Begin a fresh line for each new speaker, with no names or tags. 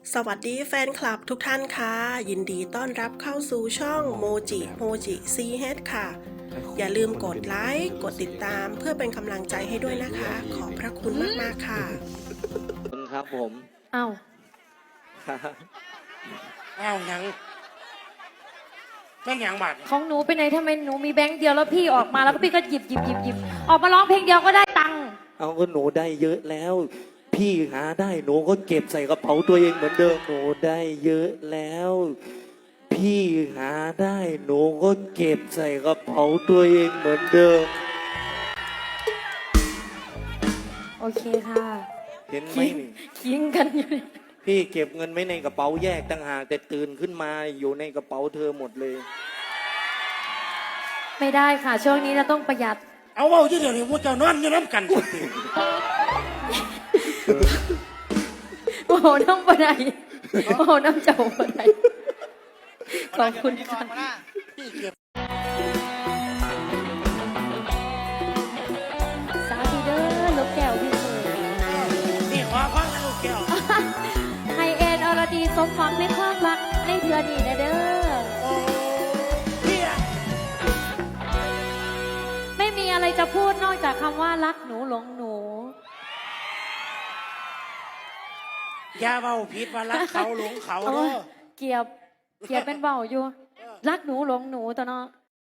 สวัสดีแฟนคลับทุกท่านค่ะยินดีต้อนรับเข้าสู่ช่องโมจิซีเฮดค่ะอย่าลืมกดไลค์กดติดตามเพื่อเป็นกำลังใจให้ด้วยนะคะขอบพระคุณมากๆค่ะ
ครับผม
เอ้า
อ้าวยังแม่งยังบาด
ของหนูไปไหนทำไมหนูมีแบงค์เดียวแล้วพี่ออกมาแล้วก็พี่ก็หยิบออกมาร้องเพลงเดียวก็ได้ตังค์
เอาก็หนูได้เยอะแล้ว พี่หาได้หนูก็เก็บใส่กระเป๋าตัวเองเหมือนเดิมหนูได้เยอะแล้ว พี่หาได้หนูก็เก็บใส่กระเป๋าตัวเองเหมือนเดิม
โอเคค่ะ
เห็นไหมนี่
คิงกันอยู่
พี่เก็บเงินไว้ในกระเป๋าแยกต่างหากแต่ตื่นขึ้นมาอยู่ในกระเป๋าเธอหมดเลย
ไม่ได้ค่ะ ช่วงนี้เราต้องประหยัด
เอาเว่าที่เดี๋ยวนี้พวกเจ้านอนอยู่น้ำกัน
โอ้โหน้ำปะไดโอ้โหน้ำเจ้าปะไดขอบคุณค่ะ
พี่เก็บ
สาธุเด้อลูกแก้วพี่เอ๋ย
นี่ขอฟังนะลูกแก้ว
ให้เอ็นอรดีสมหวังในความรักในเดือนนี้นะเด้อ
โอ้พี่อะ
ไม่มีอะไรจะพูดนอกจากคำว่ารักหนูหลงหนู
อย่าเบาผิดว่ารักเขาหลงเขา
โอ้
เด้
ย
อ
เกียบเป็นเบาอยู่ รักหนูหลงหนูตอนเนาะ